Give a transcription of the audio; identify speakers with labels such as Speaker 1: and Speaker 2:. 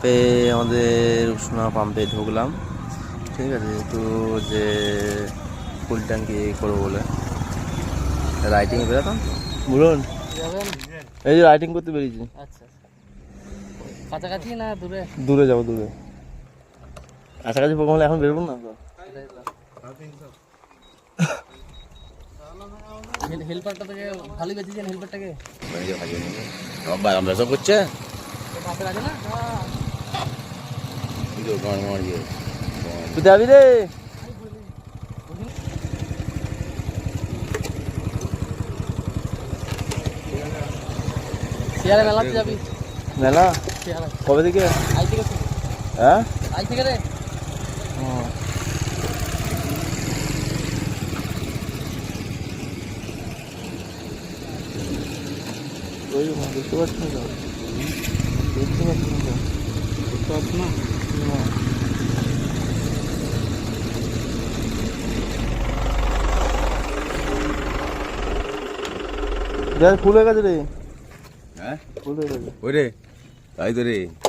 Speaker 1: পাম্পে আমাদের উষ্ণা পাম্পে ঢুকলাম, ঠিক আছে, একটু যে ফুল ট্যাঙ্কি করবো বলে রাইটিং বেরোতাম বলুন, এই যে রাইটিং করতে বেরিয়েছি।
Speaker 2: আচ্ছা, কাছাকাছি না দূরে?
Speaker 1: দূরে যাবো, দূরে। কাছাকাছি প্রোগ্রাম হলে এখন বেরোবো না।
Speaker 2: হেল্পারটা থেকে ভালোই বেঁচেছেন, হেল্পারটাকে
Speaker 1: আমরা সব করছে
Speaker 2: পাশে আছে না?
Speaker 1: তুই যাবি রে?
Speaker 2: শিয়ালে মেলাতে যাবি?
Speaker 1: মেলা
Speaker 2: শিয়ালে
Speaker 1: কবে থেকে?
Speaker 2: আজ থেকে।
Speaker 1: হ্যাঁ,
Speaker 2: আজ থেকে রে।
Speaker 1: ওই দেখতে পাচ্ছি না, দেখতে পাচ্ছি না,
Speaker 2: দেখতে পাচ্ছি না।
Speaker 1: দেখ ফুল হয়ে গেছে রে।
Speaker 3: হ্যাঁ
Speaker 1: ফুল হয়ে গেছে।
Speaker 3: ওই রে তাই তো রে।